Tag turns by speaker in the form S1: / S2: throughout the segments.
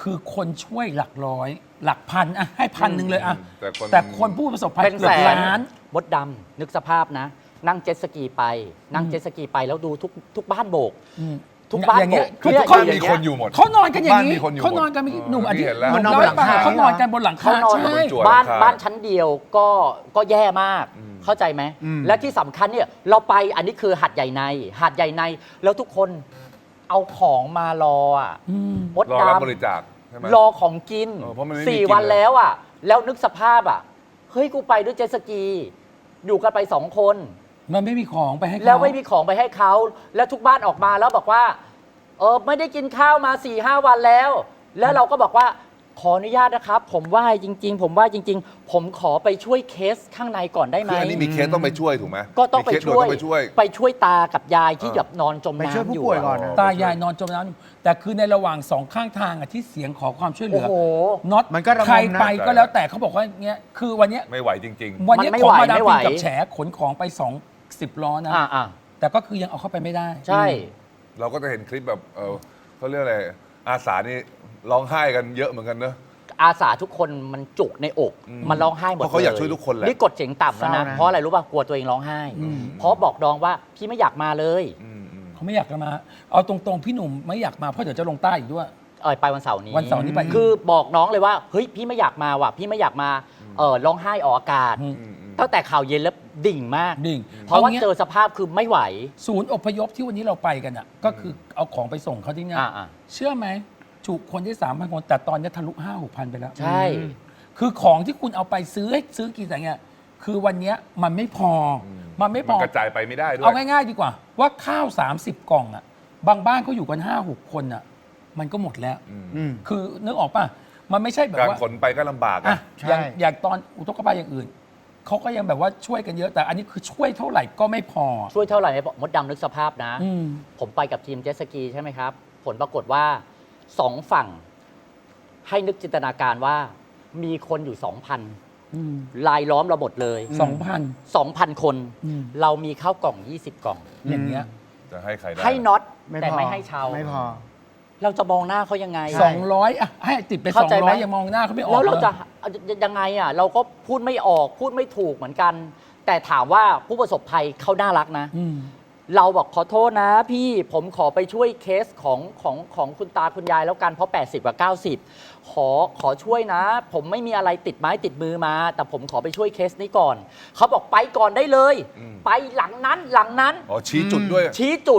S1: คือคนช่วยหลักร้อยหลักพันอะให้1,000เลยอะ
S2: แต่คน
S1: แต่คนผู้ประสบภัย
S3: เป็น
S1: เกือ
S3: แส
S1: บ
S3: น
S1: ล้าน
S3: มดดำนึกสภาพนะ นั่งเจ็ตสกีไป นั่งเจ็ตสกีไปแล้วดูทุกบ้านโบก ทุกบ้าน
S1: อย่างเงี้ย
S3: โบก
S2: คือ
S3: เย
S2: ทุกบ้าน
S3: อย่
S2: มี
S3: งเงี้
S2: คนอยู่หมด
S1: เขานอนกันอย่าง
S2: บ้าน
S1: นี้
S2: มีคนอยู่
S1: เขานอนกัน
S2: หมด
S1: หนุ่มอธิ
S2: เห็นแล้ว
S1: หนุ่ม
S4: นอน
S1: เล่า
S4: บนหลั
S1: ให้
S4: ง
S1: ฟัง
S4: คา
S1: เขานอนกันบนหลังคา
S3: เขานอน
S1: ใช่
S2: จั่ว
S3: บ้านชั้นเดียวก็แย่มาก เข้าใจไหม และที่สำคัญเนี่ยเราไปอันนี้คือหัดใหญ่ในหัดใหญ่ในแล้วทุกคนเอาของมารออ่ะมด
S2: รอ
S3: ด
S2: รับบริจาคใช่ไหม
S3: ำรอของกิน
S2: เพราะมันไม่มีกิน
S3: 4 วัน
S2: เลย
S3: แล้วอ่ะ แล้วนึกสภาพอ่ะเฮ้ยกูไปด้วยเจ็ตสกี อยู่กันไป2 คน
S1: มันไม่มีของไปให้เขา
S3: แล้วไม่มีของไปให้เขาแล้วทุกบ้านออกมาแล้วบอกว่าไม่ได้กินข้าวมา 4-5 วันแล้ว แล้วเราก็บอกว่าขออนุญาตนะครับ ผมไหว้จริง ๆ ผมไหว้จริง ๆ ผมขอไปช่วยเคสข้างในก่อนได้ไหม
S2: คืออันนี้มีเคสต้องไปช่วยถูกไหม
S3: ก็ต้องไป
S2: มีเคสด่
S3: ช่
S2: น
S3: วย
S2: ต้องไปช่วย
S3: ไปช่วยตากับยายที่แบบนอนจม
S4: ไปช่วย
S3: น้ำ
S4: ผู้
S3: อยู่
S4: ป่วยก่อน
S3: อะ
S4: นะ
S1: ตายายนอนจมน้ำแต่คือในระหว่าง2ข้างทางอะที่เสียงขอความช่วยเหลื
S3: โอ้
S1: อ
S3: โห
S1: น็อต
S4: มันก็ระงมนะ
S1: ใครไปก็แล้วแต่เขาบอกว่าเงี้ยคือวันเนี้ย
S2: ไม่ไหวจริง
S1: วันนี้
S3: มันไม่
S1: ของ
S3: ไหว
S1: มาดาม
S3: ไม่ไหว
S1: ฟินกับแฉขนของไป20ล้อนะ
S3: อ่า
S1: แต่ก็คือยังเอาเข้าไปไม่ได้
S3: ใช่
S2: ๆ เราก็จะเห็นคลิปแบบเขาเรียกอะไรอาสานี่ร้องไห้กันเยอะเหมือนกันเนอะ
S3: อาสาทุกคนมันจุกในอก มันร้องไห้หมด
S2: เพราะเขาอยาก
S3: ล
S2: ช่วยทุกคนแหละ
S3: นี่กดเสียงต่ำแล้วนะ
S4: เศร้านะ
S3: เพราะอะไรรู้ป่ะกลัวตัวเองร้องไห้ เพราะบอกน้องว่าพี่ไม่อยากมาเลย
S1: เขาไม่อยากจะมา เอาตรงๆพี่หนุ่มไม่อยากมาเพราะเดี๋ยวจะลงใต้อีกด้วย
S3: ไปวันเสาร์นี้
S1: วันเสาร์นี้ไป
S3: คือบอกน้องเลยว่าเฮ้ยพี่ไม่อยากมาว่ะพี่ไม่อยากมาร้องไห้ออกอากาศ ตั้งแต่ข่าวเย็นแล้วดิ่งมาก
S1: ดิ่ง
S3: เพราะว่า
S1: เอางี้
S3: เจอสภาพคือไม่ไหว
S1: ศูนย์อพยพที่วันนี้เราไปกันอ่ะก็คือเอาของไปส่งเขาที่เนี่ย
S3: อ่า
S1: เชื่อไหมจุคนได้3,000 คน แต่ตอนนี้ทะลุ 5-6,000 ไปแล้ว
S3: ใช่
S1: คือของที่คุณเอาไปซื้อกี่แต่เนี่ยคือวันเนี้ยมันไม่พออมันไม่พ
S2: มัน
S1: อ
S2: กระจายไปไม่ได้ด้วย
S1: เอาง่ายๆดีกว่า ว่าข้าว 30 กล่องอ่ะ บางบ้านเขาอยู่กัน 5-6 คนอ่ะ มันก็หมดแล้ว คือนึกออกป่ะ มันไม่ใช่แบบ
S2: การ
S1: ว่า
S2: ขนไปก็ลำบาก
S1: อ่ะ
S2: อะ
S4: ใช่
S1: อย่างตอนอุทกภัยอย่างอื่น เขาก็ยังแบบว่าช่วยกันเยอะ แต่อันนี้คือช่วยเท่าไหร่ก็ไม่พอ
S3: ช่วยเท่าไหร่มดดำนึกสภาพนะ
S1: อืม
S3: ผมไปกับทีมเจ็ตสกีใช่ไหมครับ ผลปรากฏว่า2 ฝั่ง ให้นึกจินตนาการว่ามีคนอยู่ 2,000 ลายล้อมเราหมดเลย
S1: 2,000
S3: 2,000 คน
S1: อืม
S3: เรามีข้าวกล่อง 20 กล่อง
S1: อย่างเงี้ย
S2: จะให้ใครได้
S3: ให้น็อต
S4: ไม่
S3: แต่
S4: พอ
S3: ไม่ให้ชาว
S4: ไม่พอ
S3: เราจะมองหน้าเขายังไง
S1: 200อ่ะให้ติดไป
S3: เข้าใจไหม
S1: 200ยังมองหน้าเขาไม่ออก
S3: แล้วเรา
S1: ลย
S3: จะยังไงอ่ะเราก็พูดไม่ออกพูดไม่ถูกเหมือนกัน แต่ถามว่าผู้ประสบภัยเขาน่ารักนะ
S1: อืม
S3: เราบอกขอโทษนะพี่ผมขอไปช่วยเคสของคุณตาคุณยายแล้วกันเพราะ 80 กับ 90 ขอช่วยนะ ผมไม่มีอะไรติดไม้ติดมือมา แต่ผมขอไปช่วยเคสนี้ก่อน เขาบอกไปก่อนได้เลย ไปหลังนั้น
S2: อ๋อชี้จุดด้วย
S3: ชี้จุด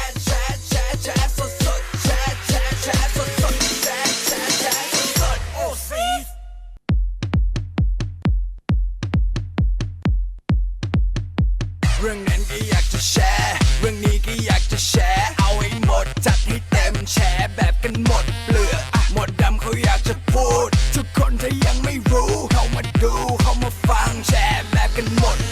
S5: เรื่องนั้นก็อยากจะแชร์ เรื่องนี้ก็อยากจะแชร์ เอาให้หมดจัดให้เต็มแชร์แบบกันหมดเปลือกอะหมดดำเขาอยากจะพูด ทุกคนถ้ายังไม่รู้ เข้ามาดูเข้ามาฟังแชร์แบบกันหมด